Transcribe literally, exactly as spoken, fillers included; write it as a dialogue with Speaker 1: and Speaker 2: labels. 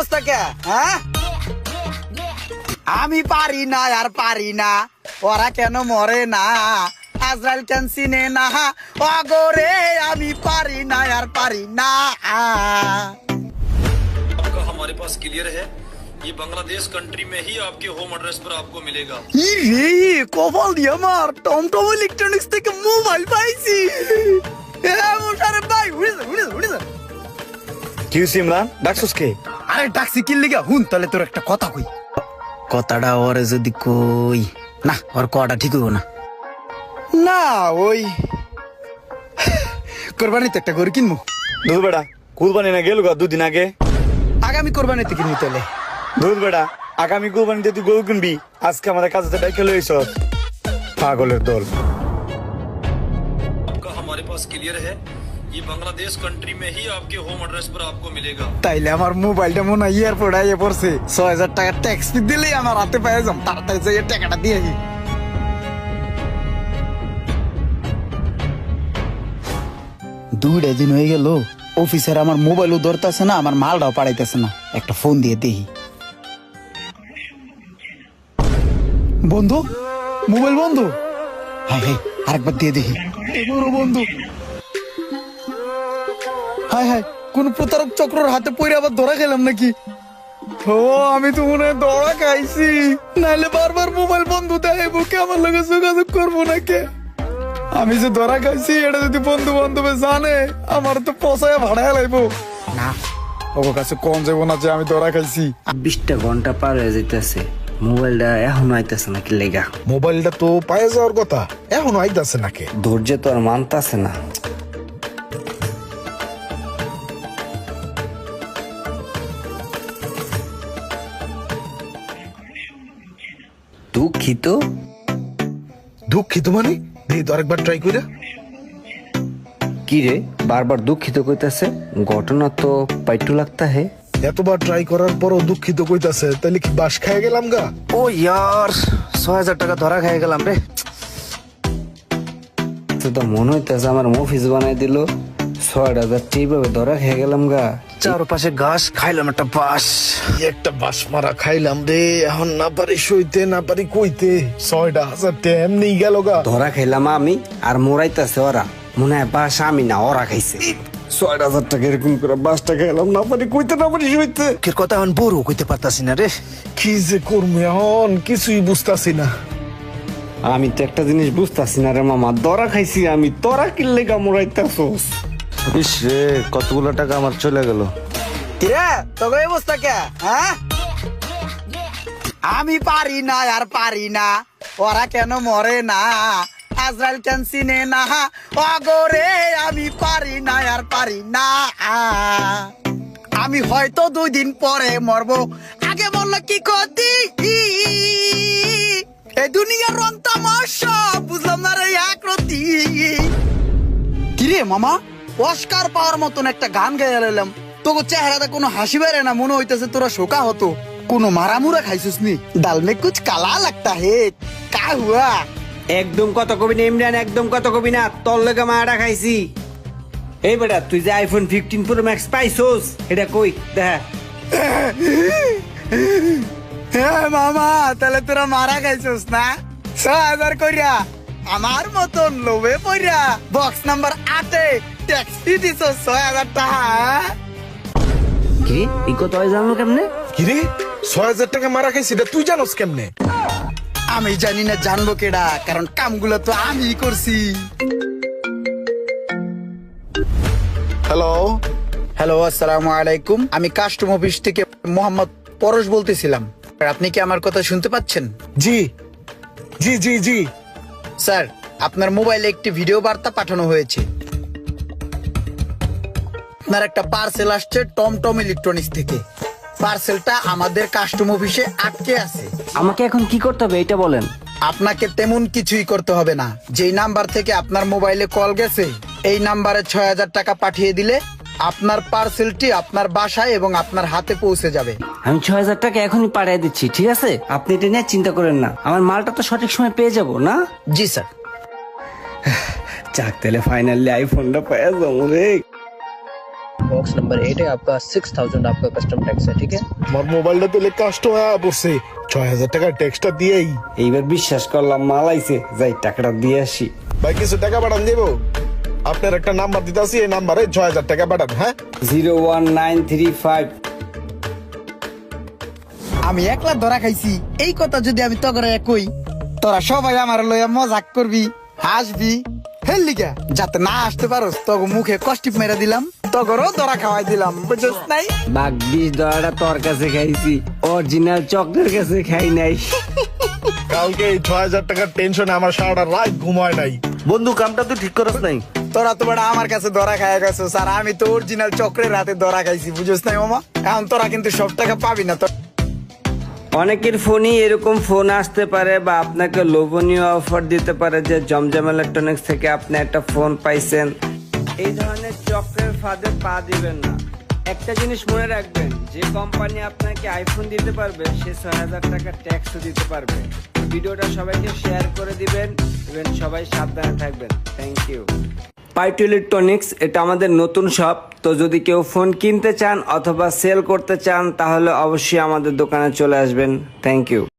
Speaker 1: অবস্থা কে? হ্যাঁ, আমি পারি না আর পারি না, ওরা কেন মরে না, আজরাইল কেন চিনে না, অগরে আমি পারি না আর পারি না।
Speaker 2: आपका हमारे पास क्लियर है, ये बांग्लादेश कंट्री में ही आपके होम एड्रेस पर आपको मिलेगा।
Speaker 1: রে কপাল দিয়ে আমার টমটম ইলেকট্রনিক্স থেকে মোবাইল পাইছি। ভাই উড়ে যা, উড়ে যা, উড়ে যা।
Speaker 3: কি হইছে ইমরান, ডাকছস কে?
Speaker 1: আরে ডাকছি কি লিগা, হুন তাহলে তোর একটা কথা কই। কথাটা ওরে যদি কই না, ওর কটা ঠিক হইব না। না ওই কোরবানিতে একটা গরু কিনবো।
Speaker 3: দুধ বেড়া, কুরবানি না গেল গা দুদিন আগে।
Speaker 1: আগামী কোরবানিতে কিনবি তাহলে।
Speaker 3: দুধ বেড়া, আগামী কুরবানিতে তুই গরু কিনবি, আজকে আমাদের কাছে ডাইকে লইছ পাগলের দল।
Speaker 2: आपका हमारे पास क्लियर है, ये बांग्लादेश कंट्री में ही आपके होम एड्रेस पर आपको मिलेगा।
Speaker 1: তাইলে আমার মোবাইলটা মনে হয় এয়ারপোর্ট আইয়ে পড়ছে, ছয় হাজার টাকা ট্যাক্স ফি দিলেই আমার হাতে পেয়ে যাম, তাড়াতাড়ি যাই টাকাটা দিয়ে আসি। দুইটা দিন হয়ে গেল, অফিসার আমার মোবাইলও ধরতেছে না, আমার মালটাও পাঠাইতেছে না, একটা ফোন দিয়ে দেখি। বন্ধু, মোবাইল বন্ধু। হ্যাঁ হ্যাঁ, আরেকবার দিয়ে দেখি। এবারও বন্ধু। হায় হায়, কোন প্রতারক চক্রের হাতে পড়ে আবার ধরা খেলাম নাকি? ও আমি তো মনে হয় ধরা খাইছি, নাহলে বারবার মোবাইল বন্ধু দেয়, বুকে আমার লগে যোগাযোগ করবো নাকি? আমি যে ধরা খাইছি এটা যদি বন্ধু বান্ধবে জানে, আমার তো পচায় ভাড়ায় লাগবো না। ওর কাছে কোন যাবো না যে আমি ধরা খাইছি।
Speaker 4: বিশটা ঘন্টা পার হয়ে যাইতেছে, মোবাইলটা এখনো আইতেছে নাকি লেগা?
Speaker 5: মোবাইলটা তো পায়ে যাওয়ার কথা, এখনো আইতাছে নাকি?
Speaker 4: ধৈর্য তো আর মানতাছে না। দুঃখিত।
Speaker 5: দুঃখিত মানে দিয়ে তো আরেকবার ট্রাই করে।
Speaker 4: কি রে বারবার দুঃখিত কইতাছে? ঘটনা তো পাইটু লাগতা হে।
Speaker 5: এতবার ট্রাই করার পরও দুঃখিত কইতাছে, তাহলে কি বাস খেয়ে গেলাম গা?
Speaker 1: ও ইয়ার, ছয় হাজার টাকা ধরা খেয়ে গেলাম রে।
Speaker 4: তো তো মনে হইতাছে আমার মফিস বানাই দিল, ছয় হাজার এইভাবে ধরা খেয়ে গেলাম গা।
Speaker 1: চারপাশে ঘাস খাইলাম একটা বাস।
Speaker 5: কি একটা বাস মারা খাইলাম রে, এখন না পারি সইতে না পারি কইতে, ছয়টা হাজার টাকা এমনি গেল গা।
Speaker 4: ধরা খাইলাম আমি আর মোরাইতাছে ওরা, মনে হয় বাস আমি না ওরা খাইছে। ছয় হাজার টাকা এরকম করে বাসটা খাইলাম, না পারি কইতে না পারি সইতে।
Speaker 1: এর কথা এখন বড় কইতে পারতাছি না রে।
Speaker 5: কি যে করবো এখন কিছুই বুঝতাছি না।
Speaker 4: আমি তো একটা জিনিস বুঝতাছি না রে মামা, ধরা খাইছি আমি, তোরা কিনলে গা মোরাইতাছস।
Speaker 3: ইস রে, কতগুলো টাকা আমার চলে গেল।
Speaker 1: কিরে তোর এই অবস্থা কে? হ্যাঁ, আমি পারি না আর পারি না, ওরা কেন মরে না, আজরাইল কেন চিনে না, অগরে আমি পারি না আর পারি না। আমি হয়তো দুই দিন পরে মরবো, আগে মরলে কি ক্ষতি? এই দুনিয়ার রং তামাশা বুঝলাম না রে একরতি। কিরে মামা, অস্কার পাওয়ার মতন একটা গান গাইয়া লাইলাম, তোকে চেহারাতে কোনো হাসি বেড়ে না, মনে হইতেছে তোরা শোকা হতো। কোনো মারামুরা খাইছিস নি? ডাল মে কুছ কালা লাগতা হে, কা হুয়া?
Speaker 4: একদম কত কবি না ইমরান, একদম কত কবি না, তোর লেগে মারা খাইছি। এই বেটা তুই যে আইফোন ফিফটিন প্রো ম্যাক্স পাইছোস, এটা কই দেখ।
Speaker 1: হ্যাঁ মামা, তাহলে তোরা মারা খাইছিস না? ছয় হাজার কইরা আমার মতন লোভে পড়া বক্স নাম্বার আটে ট্যাক্সি দিছ ছয় হাজার টাকা।
Speaker 4: কি এই কথা জানলো কেমনে?
Speaker 5: কিরে ছয় হাজার টাকা মারা খাইছি, এটা তুই জানোস কেমনে?
Speaker 1: আমি জানি না, জানবো কেডা, কারণ কামগুলো তো আমি করছি।
Speaker 5: হ্যালো
Speaker 1: হ্যালো, আসসালামু আলাইকুম, আমি কাস্টম অফিস থেকে মোহাম্মদ পরশ বলতেছিলাম। আপনি কি আমার কথা শুনতে পাচ্ছেন?
Speaker 5: জি জি জি জি
Speaker 1: স্যার, আপনার মোবাইলে একটি ভিডিও বার্তা পাঠানো হয়েছে। আপনার একটা পার্সেল আসছে টমটম ইলেকট্রনিক্স থেকে। পার্সেলটা আমাদের কাস্টম অফিসে আটকে আছে।
Speaker 4: আমাকে এখন কি করতে হবে এটা বলেন।
Speaker 1: আপনাকে তেমন কিছুই করতে হবে না, যেই নাম্বার থেকে আপনার মোবাইলে কল গেছে এই নাম্বারে ছয় হাজার টাকা পাঠিয়ে দিলে আপনার পার্সেলটি আপনার বাসায় এবং আপনার হাতে পৌঁছে যাবে।
Speaker 4: আমি ছয় হাজার টাকা এখনই পাঠিয়ে দিচ্ছি, ঠিক আছে? আপনি এটা নিয়ে চিন্তা করেন না, আমার মালটা তো সঠিক সময় পেয়ে যাব না?
Speaker 1: জি স্যার।
Speaker 4: যাক তাহলে ফাইনালি আইফোনটা পেয়ে যাবো রে।
Speaker 6: बॉक्स नंबर एट है आपका सिक्स थाउजेंड आपका कस्टम टैक्स है ठीक है।
Speaker 5: আমার মোবাইলটা তেলে কাস্ট হয়ে পড়ছে ছয় হাজার টাকার ট্যাক্সটা দিয়েই।
Speaker 4: এইবার বিশ্বাস করলাম মাল আইছে, যাই টাকাটা দিয়ে আসি।
Speaker 5: ভাই কিছু টাকা পাঠান দেবো? আপনার একটা নাম্বার দিতে আসি, এই নাম্বারে ছয় হাজার টাকা পাঠান। হ্যাঁ
Speaker 4: zero one nine three five.
Speaker 1: আমি একলা ধরা খাইছি, এই কথা যদি আমি তগরে কই, তোরা সবাই আমার লইয়া মজাক করবি, হাসবি, হেললিগা যাতে না আসতে পারোস তগ মুখে কষ্টিপ মেরা দিলাম, তগরও ধরা খাওয়াই দিলাম, বুঝছিস নাই?
Speaker 4: বাঘ বিষ দরাটা তোর কাছে খাইছি, অরিজিনাল চকলের কাছে খাই নাই।
Speaker 5: কালকে এই ছয় হাজার টাকার টেনশনে আমার সারাটা রাত ঘুমায় নাই।
Speaker 3: বন্ধু কামটা তুই ঠিক করস নাই।
Speaker 1: তোরা তো বড় আমার কাছে ধরা খাইয়া গেছো স্যার, আমি তো অরিজিনাল চক্রের রাতে ধরা খাইছি, বুঝছিস নাই মামা? এখন তোরা কিন্তু সব টাকা পাবি না। তো
Speaker 4: অনেকের ফোনই এরকম ফোন আসতে পারে বা আপনাকে লোভনীয় অফার দিতে পারে যে জমজম ইলেকট্রনিক্স থেকে আপনি একটা ফোন পাইছেন। এই ধরনের চক্রের ফাঁদে পা দিবেন না। একটা জিনিস মনে রাখবেন, যে কোম্পানি আপনাকে আইফোন দিতে পারবে সে ছয় হাজার টাকা ট্যাক্সও দিতে পারবে। ভিডিওটা সবাইকে শেয়ার করে দিবেন এবং সবাই সাবধানে থাকবেন। Thank you. পাইটু ইলেকট্রনিক্স এটা আমাদের নতুন শপ, তো যদি কেউ ফোন কিনতে চান অথবা সেল করতে চান তাহলে অবশ্যই আমাদের দোকানে চলে আসবেন। Thank you.